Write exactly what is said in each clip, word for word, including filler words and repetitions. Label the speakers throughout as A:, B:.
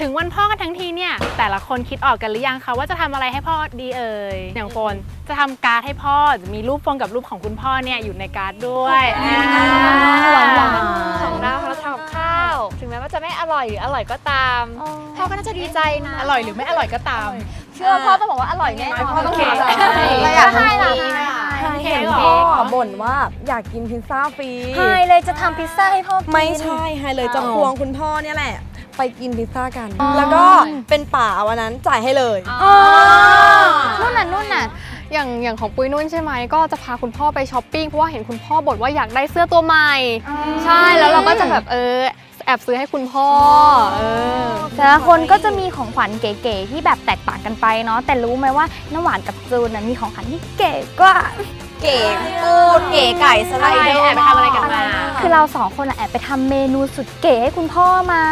A: ถึงวันพ่อกันทั้งทีเนี่ยแต่ละคนคิดออกกันหรือยังคะว่าจะทำอะไรให้พ่อดีเอ่ยอย่างโฟนจะทำการ์ดให้พ่อจะมีรูปโฟนกับรูปของคุณพ่อเนี่ยอยู่ในการ์ดด้วย
B: หวานหวานของเราเราทำกับข้าวถึงแม้ว่าจะไม่อร่อยหรืออร่อยก็ตามพ่อก็น่าจะดีใจนะ
A: อร่อยหรือไม่อร่อยก็ตาม
B: เชื่อพ่อต้องบอกว่าอร่อยแน่พ่อต้องดีใจ
C: เราอยากให้ล่ะ
A: เค้ก
C: พ่อบ่นว่าอยากกินพิซซ่าฟรี
B: ไฮเลยจะทำพิซซ่าให้พ่อกิน
C: ไม่ใช่ไฮเลยจะควงคุณพ่อเนี่ยแหละไปกินพิซซ่ากันแล้วก็เป็นป่าวันนั้นจ่ายให้เลย
B: นู่นน่ะนู่นน่ะอย่างอย่างของปุ้ยนุ่นใช่ไหมก็จะพาคุณพ่อไปช้อปปิ้งเพราะว่าเห็นคุณพ่อบ่นว่าอยากได้เสื้อตัวใหม่ใช่แล้วเราก็จะแบบเออแอบซื้อให้คุณพ่อเออแต่ละคนก็จะมีของขวัญเก๋ๆที่แบบแตกต่างกันไปเนาะแต่รู้ไหมว่าน้ำหวานกับจูนมีของขวัญที่เก๋กว่า
C: เก๋กูดเก๋ไก่สไลเดอร์
A: แอบไปทำอะไรกันมา
B: คือเราสองคนแอบไปทำเมนูสุดเก๋ให้คุณพ่อมา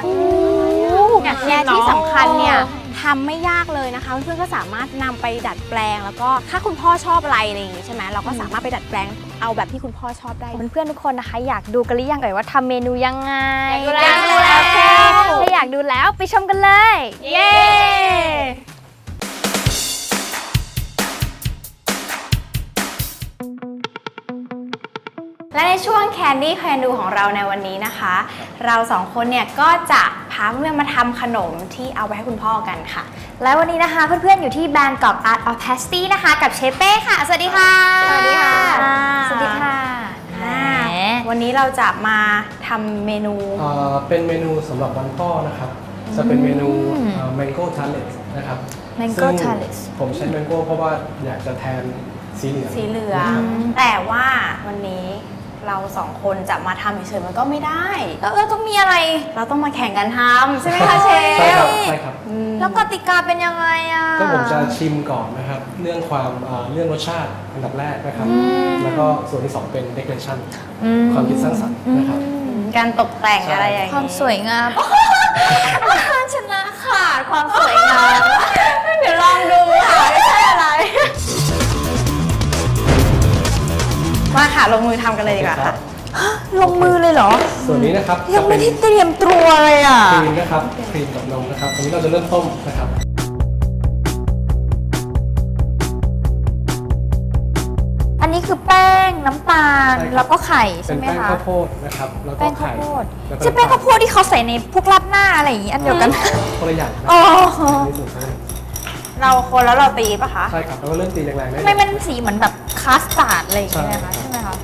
D: และที่สำคัญเนี่ยทำไม่ยากเลยนะคะเพื่อนๆก็สามารถนำไปดัดแปลงแล้วก็ถ้าคุณพ่อชอบอะไรอะไรอย่างงี้ใช่ไหมเราก็สามารถไปดัดแปลงเอาแบบที่คุณพ่อชอบได้
B: เพื่อนๆทุกคนนะคะอยากดูกันหรือยังเอ่ยว่าทำเมนูยังไง
D: อยากดูแล้ว
B: ถ้าอยากดูแล้วไปชมกันเลย
D: เย้และในช่วง Candy Can Do ของเราในวันนี้นะคะเราสองคนเนี่ยก็จะพาเพื่อนๆมาทำขนมที่เอาไปให้คุณพ่อกันค่ะและวันนี้นะคะเพื่อนๆอยู่ที่ Bangkok Art of Pastry นะคะกับเชฟเป้ค่ะสวัสดีค่ะ
B: สวัสดีค่ะ
D: สวัสดีค่ะวันนี้เราจะมาทำเมนู
E: เป็นเมนูสำหรับวันพ่อนะครับจะเป็นเมนู Mango Tartlet นะครับ
B: Mango Tartlet
E: ผมใช้ Mango เพราะว่าอยากจะแทนสีเหลือง
D: สีเหลืองแต่ว่าวันนี้เราสองคนจะมาทำเฉยๆมันก็ไม่ได้
B: แล้วเราต้องมีอะไร
D: เราต้องมาแข่งกันทำใช่ไหมคะเชฟ
E: ใช่ครับใช่ครับ
B: แล้วกติกาเป็นยังไงอ่ะ
E: ก็ผมจะชิมก่อนนะครับเรื่องความเรื่องรสชาติอันดับแรกนะครับแล้วก็ส่วนที่สองเป็น decoration ความคิดสร้างสรรค์นะครับ
D: การตกแต่งอะไรอย่างนี้
B: ความสวยงาม
D: ชนะขาดความสวยงามเดี๋ยวลองดูค่ะไม่ใช่อะไรมาค่ะลงมือทำกันเลยดีกว่าค่ะ
B: ลงมือเลยเหรอ
E: ส่วนนี้นะครับ
B: ยังไม่ได้เตรียมตัวเลยอ่ะ
E: ครีมนะครับครีมกับนมนะครับอันนี้เราจะเริ่มต้มนะครับ
B: อันนี้คือแป้งน้ำตาลแล้วก็ไข่ใช่ไหมคะ
E: เป็นแป้งข้าวโพดนะครับแล้วก็ไข่
B: ใช่แป้งข้าวโพดที่เขาใส่ในพวกราดหน้าอะไรอย่างนี้อันเดียวกัน
E: คนละอย่าง
B: อ๋อ
D: เราคนแล้วเราตีป่ะคะ
E: ใช่ครับแล้วก็เริ่มตีแรงๆได้
B: ไม่มันสีเหมือนแบบคาสตาร์ดอะไรอย่างเงี้ยคะใช่ไหมคะ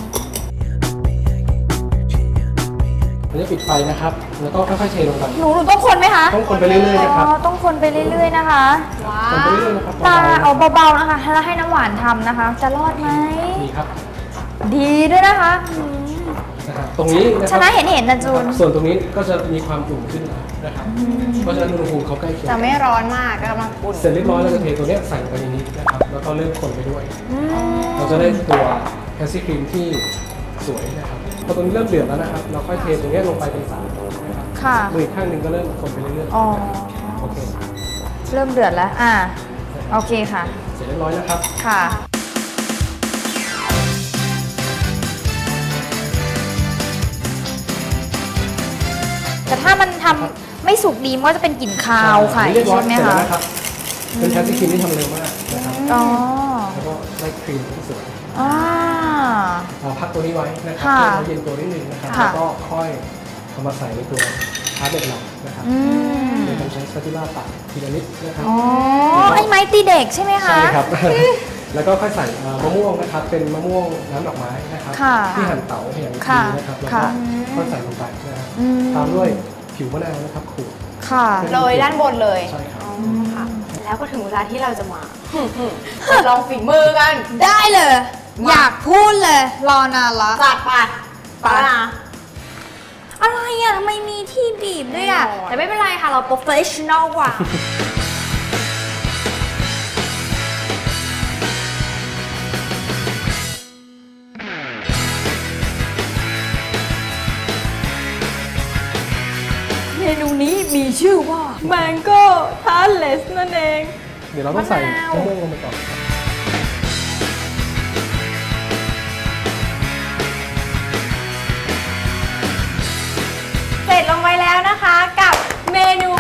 E: เราจะปิดไฟนะครับแล้วก็ค่อยๆเทลงไป
B: หนูหนูต้องคนไหมคะ
E: ต้องคนไปเรื่อยๆนะครับ
B: ต้องคนไปเรื่อยๆนะคะ
E: คนไปเรื่อยๆนะครับ
B: ตาเอาเบาๆนะคะแล้วให้น้ำหวานทำนะคะจะรอดไหม
E: ดีครับ
B: ดีด้วยนะคะ
E: ตรงนี้
B: ชนะเห็นเห็นนะจูน
E: ส่วนตรงนี้ก็จะมีความอุ่นขึ้นนะครับเพราะฉะนั้นอุณหภูมิเขาใกล้เคียง
D: จะไม่ร้อนมากก็กำลังอุ่น
E: เสร็จเรียบร้อยเราจะเทตัวนี้ใส่ลงไปในนี้นะครับแล้วก็เริ่มคนไปด้วยเราจะได้ตัวแพสซี่ครีมที่สวยนะครับพอตรงนี้เริ่มเดือดแล้วนะครับเราค่อยเทตรงนี้ลงไปเป็นสารนะครับมืออีกข้างหนึ่งก็เริ่มคนไปเรื่อยๆโอเค
B: เริ่มเดือดแล้วอ่าโอเคค่ะ
E: เสร็จเรียบร้อยนะครับ
B: ค่ะแต่ถ้ามันทำไม่สุกดีมันก็จะเป็นกลิ่นคาวไข่ใช่ไหมคะ
E: เป็นแพสซี่ครีมที่ทำเร็วมากนะครับ
B: อ๋อ
E: แล้วก็ได้ครีมที่สวย
B: อ่า
E: พักตัวนี้ไว้นะครับให้เย็นตัวนิดนึงนะครับแล้วก็ค่อยเอามาใส่ในตัวทาร์ตเด็ดหลังนะครับโดยการใช้สปาตูล่าตัดทีละนิดนะครับ
B: อ๋อไอ้ไม้ตีเด็กใช่ไหมคะ
E: ใช่ครับแล้วก็ค่อยใส่มะม่วงนะครับเป็นมะม่วงน้ำดอกไม้นะครับที่หั่นเต๋าอย่างดีนะครับแล้วก็ค่อยใส่ลงไปนะครับตามด้วยผิวมะนาวนะครับขูด
D: โรยด้านบนเลย
E: ใช่ครับ
D: แล้วก็ถึงเวลาที่เราจะมาลองฝีมือกัน
B: ได้เลยอยากพูดเลยรอนานละ
D: จัดไปไปนะ
B: อะไรอ่ะทำไมมีที่บีบด้วยอ่ะแต่ไม่เป็นไรค่ะเราโปรเฟชชั่นอลกว่าเมนูนี้มีชื่อว่า Mango Tartlet นั่นเอง
E: เดี๋ยวเราต้องใส่มะม่วงลงไปก่อน
D: เสร็จลงไปแล้วนะคะกับเมนู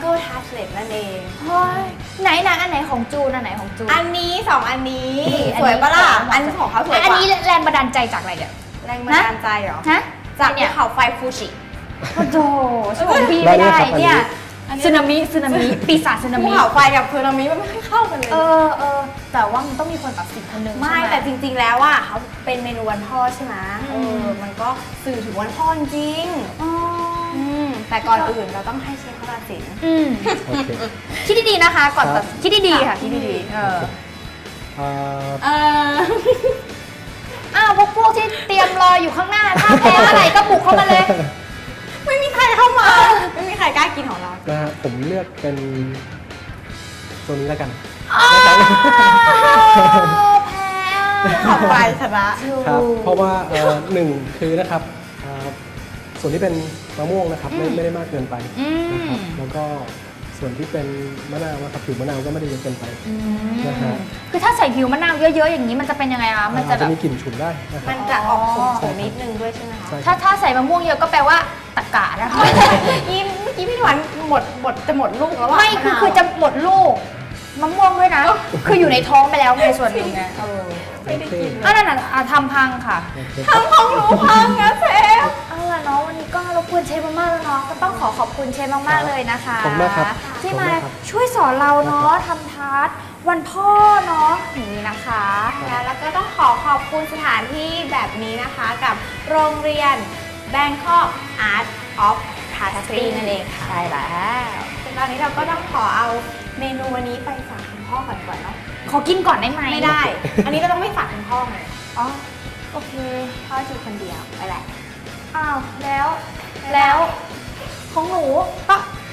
D: Mango Tartlet นั่นเองเฮ้ยไหนไหนอันไหนของจูนอันไหนของจูน
C: อันนี้สองอันนี้
D: อันนี้
C: สวยปะล่ะ
D: สวย
C: อันของเขาสวยกว่า
D: อันนี้แรงบันดาลใจจากอะไรเนี่ย
C: แรงบันดาลใจเหรอ
D: ฮะ
C: จาก
D: เนี่
C: ภู
D: ย
C: เขาไฟฟูจิ
D: โอ้โหช่วยพี่ไม่ได้เนี่ยสึนามิสึนามิปีศาจสึนา
C: ภู
D: มิ
C: เขาไฟกับสึนามิมันไม่ค่อยเข้ากันเลย
D: เออเออแต่ว่ามันต้องมีคนตัดสินคนหนึง
C: ไม่
D: ใช่ห
C: แต่จริงๆแล้วอ่ะเขาเป็นเมนูวันพ่อใช่ไหมเออมันก็สื่อถึงวันพ่อจริง
D: อ๋อ
C: อืมแต่ก่อนอื่นเราต้องให้เชฟเขาตัดสิน
D: อืม
E: โอเค
D: คิดดีๆนะคะ ก่อน
E: ครั
D: ตั
E: บ
D: ดคิดดีๆค่ะคิดดีๆเออ
E: เอ่อ
C: เออ
D: อ้าวพวกพวกที่เตรียมรออยู่ข้างหน้าถ้าแพ้อะไรก็บุกเข้ามาเลย
C: ไม่มีใครเข้ามา ไม่มีใครกล้ากินของเรา
E: นะฮะผมเลือกเป็นตัวนี้แล้วกัน
D: แพ้
C: ขอบไปชนะ
E: ครับ เพราะว่าเอ่อหนึ่งคือนะครับเอ่อส่วนที่เป็นมะม่วงนะครับไม่ไม่ได้มากเกินไปนะครับแล้วก็ส่วนที่เป็นมะนาวนะครับผิวมะนาวก็ไม่ได้เยอะเกินไปนะฮะ
D: คือถ้าใส่ผิวมะนาวเยอะๆอย่างนี้มันจะเป็นยังไงคะมันจะ
E: อาจ
D: แบ
E: จะ
D: บ
E: มีกลิ่นฉุนได้นะครั
C: มั
E: บ
C: นจะออกขมๆนิดนึงด้วยใช่ไหมคะ
E: ใช่ค
D: ถ้า
E: รับ
D: ถ้าใส่มะม่วงเยอะก็แปลว่าตะกะนะคะ
C: ยิ้มยิ้มพี่หวานหมดหมดจะหมดลูกแล้วอะ
D: ไม่คือคือจะหมดลูกมะม่วงด้วยนะ คืออยู่ในท้องไปแล้วในส่วนหนึ่งไงเออ
C: ไม่ได้กิน
D: อ่ะนั่นน่ะอ่ะทำพังค่ะ
E: โอเค
C: ทำของหนูพังนะเชฟ
D: เอาล่ะเนาะวันนี้ก็รบกวนเชฟมากๆแล้วเนาะก็ต้องขอขอบคุณเชฟมากๆเลยนะคะ
E: ขอบคุณมากครับ
D: ที่
E: ขอบคุณ
D: มาม
E: ากครับ
D: ช่วยสอนเราเนาะทำทาร์ตวันพ่อเนาะอย่างนี้นะคะ
C: แล้วก็ต้องขอขอบคุณสถานที่แบบนี้นะคะกับโรงเรียน Bangkok Art of Pastry นั่นเองค่ะ
D: ใช่แล้ว
C: ตอนนี้เราก็ต้องขอเอาเมนูวันนี้ไปฝากคุณพ่อก่อนก่อนเนาะ
D: ขอกินก่อนได้ไหม
C: ไม่ได้ อันนี้เราต้องไม่ฝากคุณพ่อไง
D: อ๋อโอเค
C: พ่ออยู่คนเดียวไปแหละ
D: อ้าวแล้วแล้วของหนูก็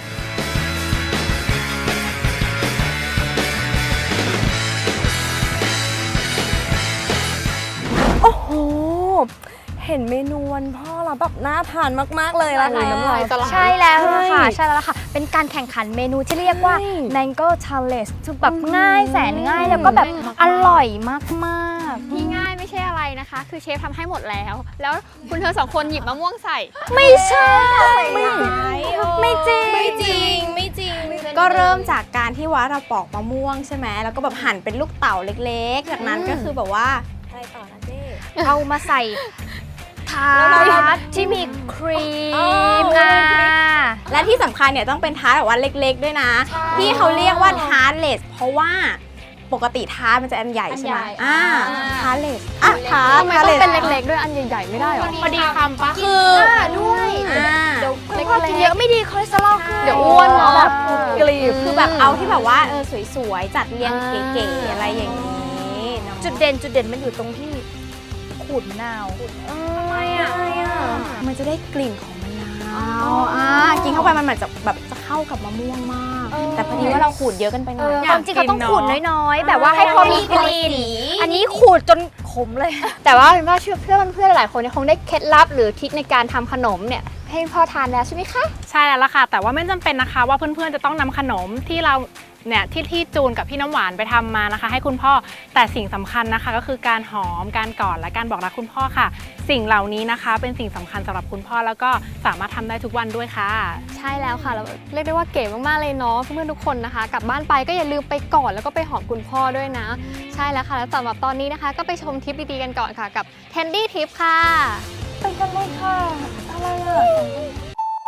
C: โอ้โห เห็นเมนูวันพ่อแล้วแบบน่าทานมากๆเลยละค่ะ
B: น้ำลายสลาย
D: ใช่แล้วค่ะ
C: ใช่
D: ใช่แล้วล่ะค่ะ เป็นการแข่งขันเมนูที่เรียกว่า
C: ใช่
D: Mango Challenge คือแบบง่ายแสนง่ายแล้วก็แบบอร่อยมากๆ
B: ที่ง่ายไม่ใช่อะไรนะคะ คือเชฟทำให้หมดแล้ว แล้วคุณเธอสองคนหยิบมะม่วงใส่
D: ไม่ใช่
C: ไม่ไม่จริง ไม่จริง ไม่จริง ก็เริ่มจากการที่ว่าเราปอกมะม่วงใช่ไหม แล้วก็แบบหั่นเป็นลูกเต๋าเล็กๆ จากนั้นก็คือแบบว่าอะไรต่อนะเจ๊
D: เอามาใส่ทา
C: แล้วเรา
D: ร์ตที่มีครีมอ่ะ
C: และที่สำคัญเนี่ยต้องเป็นทาร์ตแบบว่าเล็กๆด้วยนะ ที่เขาเรียกว่าทาร์ตเลสเพราะว่าปกติทาร์ตมันจะอันใหญ่ใช่ไหม
B: อันใหญ่
C: อ่าทาร์ตเลสอ่ะทาร์ต
B: ทำไมต้องเป็นเล็กๆด้วยอันใหญ่ๆไม่ได้หรอ
A: พอดีคำปะ
C: คือ
D: ด้วย
C: อ่า
D: เดี๋ยวคุณพ่อกินเยอะไม่ดีคอเลสเตอรอลขึ้น
B: เดี๋ยวอ้วนเนาะ
C: แบบ
B: กรีบ
C: คือแบบเอาที่แบบว่าเออสวยๆ จัดเรียงเก๋ๆอะไรอย่างนี้เนาะ
D: จุดเด่นจุดเด่นมันอยู่ตรงที่ขูดมะนาว
C: ทำไมอ่ะมันจะได้กลิ่นของมะนาว
D: อ๋ออ่
C: อ่ากินเข้าไปมันเหมือนจะแบบจะเข้ากับมะม่วงมาก แต่พอดีว่าเราขูดเยอะกันไปหน่อย
D: ความจริงเราต้องขูดน้อยๆ แบบว่าให้พอมีกลิ่น
C: สี
D: อันนี้ขูดจนขมเลย
B: แต่ว่าเป็นว่าเชื่อเพื่อนเพื่อนๆหลายคนเนี่ยคงได้เคล็ดลับหรือทริคในการทำขนมเนี่ยให้พ่อทานแล้วใช่ไหมคะ
A: ใช่แล้วล่ะค่ะ แต่ว่าไม่จำเป็นนะคะว่าเพื่อนๆจะต้องนำขนมที่เราเนี่ยที่ที่จูนกับพี่น้ำหวานไปทำมานะคะ ให้คุณพ่อแต่สิ่งสำคัญนะคะ ก็คือการหอมการกอดและการบอกรักคุณพ่อค่ะ สิ่งเหล่านี้นะคะ เป็นสิ่งสำคัญสำหรับคุณพ่อแล้วก็สามารถทำได้ทุกวันด้วยค่ะ
B: ใช่แล้วค่ะแล้วเรียกได้ว่าเก๋มากๆเลยเนาะเพื่อนๆทุกคนนะคะ กลับบ้านไปก็อย่าลืมไปกอดแล้วก็ไปหอมคุณพ่อด้วยนะ ใช่แล้วค่ะแล้วสำหรับตอนนี้นะคะ ก็ไปชมทริปดีๆกันก่อนค่ะกับ Candy Trip ค่ะ
D: ไปกันเลยค่ะ อะไรอ่ะ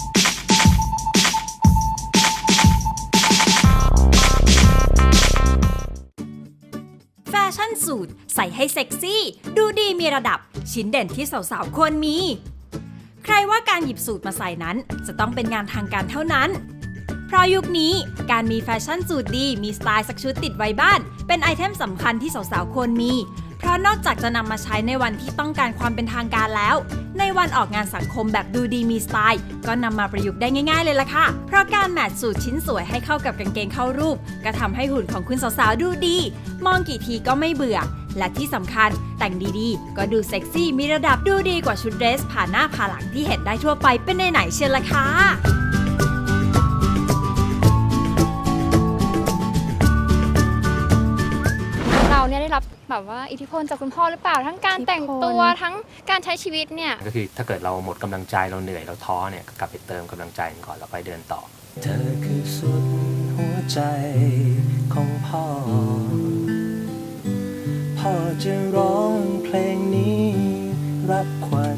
F: แฟชั่นสูทใส่ให้เซ็กซี่ ดูดีมีระดับชิ้นเด่นที่สาวๆควรมี ใครว่าการหยิบสูทมาใส่นั้นจะต้องเป็นงานทางการเท่านั้น เพราะยุคนี้การมีแฟชั่นสูทดีมีสไตล์สักชุดติดไว้บ้าน เป็นไอเทมสำคัญที่สาวๆควรมี เพราะนอกจากจะนำมาใช้ในวันที่ต้องการความเป็นทางการแล้ว ในวันออกงานสังคมแบบดูดีมีสไตล์ก็นำมาประยุกต์ได้ง่ายๆเลยล่ะค่ะ เพราะการแมทสูทชิ้นสวยให้เข้ากับกางเกงเข้ารูป ก็ทำให้หุ่นของคุณสาวๆดูดี มองกี่ทีก็ไม่เบื่อ และที่สำคัญแต่งดีๆ ก็ดูเซ็กซี่มีระดับดูดีกว่าชุดเดรสผ่าหน้าผ่าหลังที่เห็นได้ทั่วไปเป็นไหนๆเชียวล่ะค่ะ
B: เราเนี่ยได้รับแบบว่าอิทธิพลจากคุณพ่อหรือเปล่าทั้งการแต่งตัวทั้งการใช้ชีวิตเนี่ย
G: ก็คือถ้าเกิดเราหมดกำลังใจเราเหนื่อยเราท้อเนี่ยก็กลับไปเติมกำลังใจกันก่อนแล้วไปเดินต่อ
H: เธอคือสุดหัวใจของพ่อ พ่อจะร้องเพลงนี้รับขวัญ